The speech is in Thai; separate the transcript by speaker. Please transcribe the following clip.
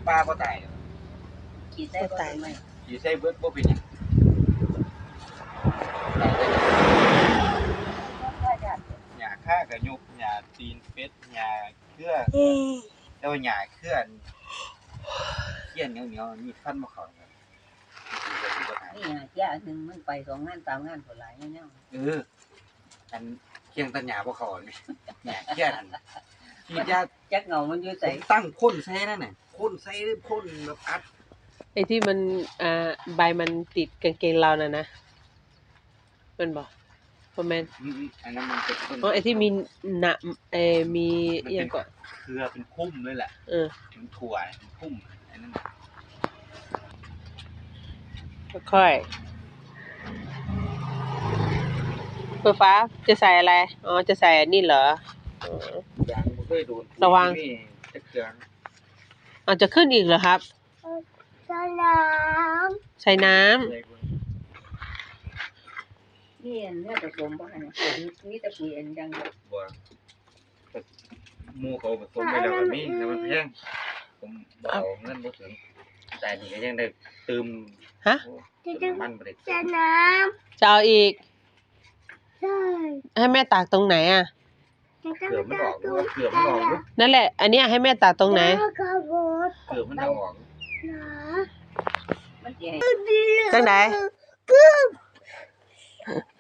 Speaker 1: ปลาบ่ตาย
Speaker 2: ขี่ใส่บ่ตายไหม
Speaker 1: ขี่ใส่เบิดบ่เป็นหยังหญ้าค่ากระยุกหญ้าตีนเป็ดหญ้าเครือแต่ว่าหญ้าเครือเขี้ยนเหนียวๆมีฟันบ่เข้าครับ
Speaker 2: นี่เจ้านึงมันไป2 งาน 3 งานพุ่นหลายแนว
Speaker 1: อันเคียงตัญญาบ่เข้านี่หญ้าเขี้ยนฉีดยา
Speaker 2: จักเงามันอยู่ไส
Speaker 1: ตั้งพ่นใส่นั่นน่ะพ่นใส่พ่นแบบอัด
Speaker 3: ไอ้ที่มันใบมันติดกางเกงเราน่ะนะมันบ่แม่น
Speaker 1: อันนั้นมันเป็นต้น
Speaker 3: ไอ้ที่มีหนะมีอีหยังก็
Speaker 1: เครือเป็นพุ่มเลยแหละมันถั่วเป็นพุ่มอันนั้น
Speaker 3: ค่อยเปิดฟ้าจะใส่อะไรอ๋อจะใส่อันนี้เหรอ
Speaker 1: ยังบ่เคยโดน
Speaker 3: ระวัง
Speaker 1: จะเกลือ
Speaker 3: จะขึ้นอีกเหรอครับ
Speaker 2: ใส่น้
Speaker 3: ำใส่น้ำ
Speaker 2: นี่อันนี้ผสมบ่หั่นมีแต่ปุ๋ยอันดัง
Speaker 1: บ่หมู่เขาผสมไปแล้วก็มีแต่มันแพงผมบ่เอาเงินบ่ถึงแต่นี่ก็ยังได้ตืม
Speaker 3: ฮะ
Speaker 1: มันบ่ได้
Speaker 2: ใส่น้
Speaker 3: ำจะเอาอีก
Speaker 2: ใช่
Speaker 3: ให้แม่ตากตรงไหนอ่ะ
Speaker 1: เกลือมันออกเกลือมันออก
Speaker 3: นั่นแหละอันเนี้ยให้แม่ตากตรงไหน
Speaker 1: เกลือมันออก
Speaker 2: มันสิ
Speaker 3: จังได๋